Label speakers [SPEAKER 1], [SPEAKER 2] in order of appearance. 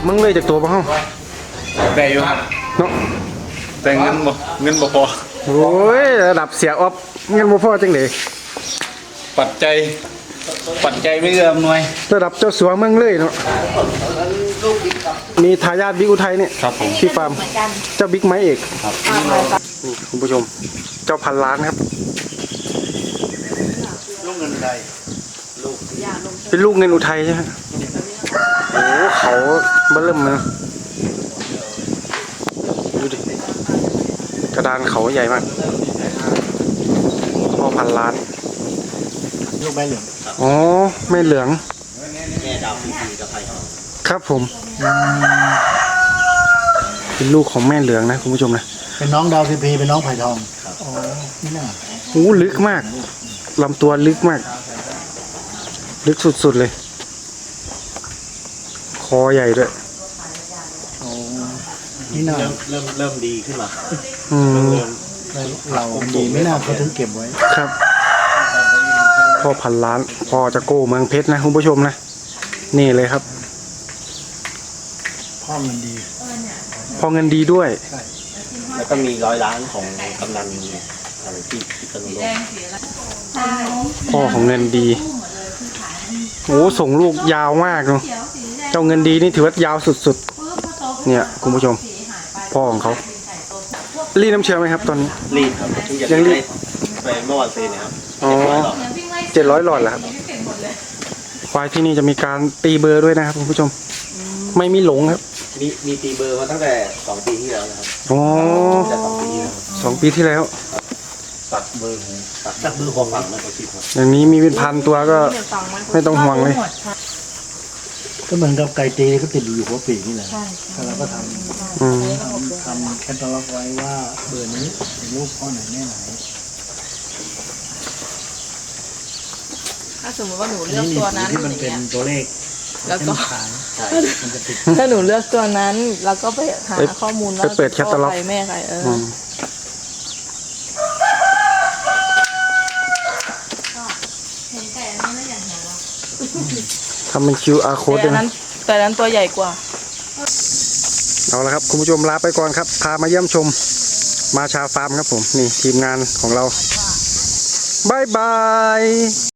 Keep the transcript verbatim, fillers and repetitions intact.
[SPEAKER 1] มึงเลยจากตัวบ้าง
[SPEAKER 2] ได้อยู่ครับ
[SPEAKER 1] เนาะ
[SPEAKER 2] แต่เงินบ่เงินบ่พอ
[SPEAKER 1] โอ้ยระดับเสียออฟเงินบ่พอจังเลย
[SPEAKER 2] ปัจจัยปัจจัยไม่เอื้ออำนวย
[SPEAKER 1] ระดับเจ้าสัวเมืองเลยเนาะมีทายาทบิ๊กอุทัยเนี่ย
[SPEAKER 2] ครับผม
[SPEAKER 1] ที่ฟาร์มเจ้าบิ๊กไม้เอกครับนี่คุณผู้ชมเจ้าพันล้านครับ
[SPEAKER 2] ลูกเงินไทยลูก
[SPEAKER 1] เป็นลูกเงินอุทัยใช่ไหมโอ้เขาเบิ่มเลยดูดิกระดานเขาใหญ่มากพ่อพันล้าน
[SPEAKER 2] ลูกแม่เหลือง
[SPEAKER 1] อ๋อแม่เหลือง
[SPEAKER 2] แม่ดาวพีพีกับไผ่ทอง
[SPEAKER 1] ครับผมเป็นลูกของแม่เหลืองนะคุณผู้ชมนะ
[SPEAKER 2] เป็นน้องดาวพีพีเป็นน้องไผ่ทองอ๋อนี่น่ะ
[SPEAKER 1] โอ้ลึกมากลำตัวลึกมากลึกสุดๆเลยคอใหญ่ด้วย
[SPEAKER 2] โอ้นี่น่าเริ่มเริ่มเริ่มดีขึ้นมา
[SPEAKER 1] อืม
[SPEAKER 2] เราดีไม่น่าเขาถึงเก็บไว้
[SPEAKER 1] ครับพ่อพันล้านพ่อจะโก้เมืองเพชรนะคุณผู้ชมนะนี่เลยครับ
[SPEAKER 2] พ่อเงินดี
[SPEAKER 1] พ่อเงินดีด้วย
[SPEAKER 2] แล้วก็มีร้อยล้านของกำนันอะไรที่พิษณุโลก
[SPEAKER 1] พ่อของเงินดีโอ้ส่งลูกยาวมากเนาะเจ้าเงินดีนี่ถือว่ายาวสุดๆเนี่ยคุณผู้ชมพ่อของเขารีดน้ำเชื้อไหมครับตอนนี้
[SPEAKER 2] รีดครับยังรีดไปเมื่อวันซื้อเนี่ยครับ
[SPEAKER 1] อ๋อเจ็ดร้อยหลอดแล้วครับควายที่นี่จะมีการตีเบอร์ด้วยนะครับคุณผู้ชมไม่มีหลงครับ
[SPEAKER 2] มีมีตีเบอร์มาตั้งแต่สองปีที่แล้วนะครับ
[SPEAKER 1] อ๋อสองปีที่แล้ว
[SPEAKER 2] ตัดเบอร์ตัดเบอร์ของฝั่งนะครั
[SPEAKER 1] บอย่างนี้มีเป็นพันตัวก็ไม่ต้องห่วงเลย
[SPEAKER 2] ก็เหมือนกับไก่ตีก็ติดอยู่หัวปีกนี่แหละแล้วเราก็ทำทำแคตตาล็อกไว้ว่าเบอร์นี้เป็นลูกพ่อไหนแม่ไหน
[SPEAKER 3] ถ้าสมมติว่าหนูเลือกตัวนั้น
[SPEAKER 2] ที่มันเป็นตัวเลข
[SPEAKER 3] แล้วก็ถ้าหนูเลือกตัวนั้นแล้วก็ไปหาข้อมูลว่า
[SPEAKER 1] เปิดแคตตาล็อก
[SPEAKER 3] แม่ใครเออ
[SPEAKER 1] ทำเป็น คิว อาร์ code ด้วยนะ
[SPEAKER 3] แต่นั้นตัวใหญ่กว่า
[SPEAKER 1] เอาละครับคุณผู้ชมลาไปก่อนครับพามาเยี่ยมชมมาชาฟาร์มครับผมนี่ทีมงานของเราบายบาย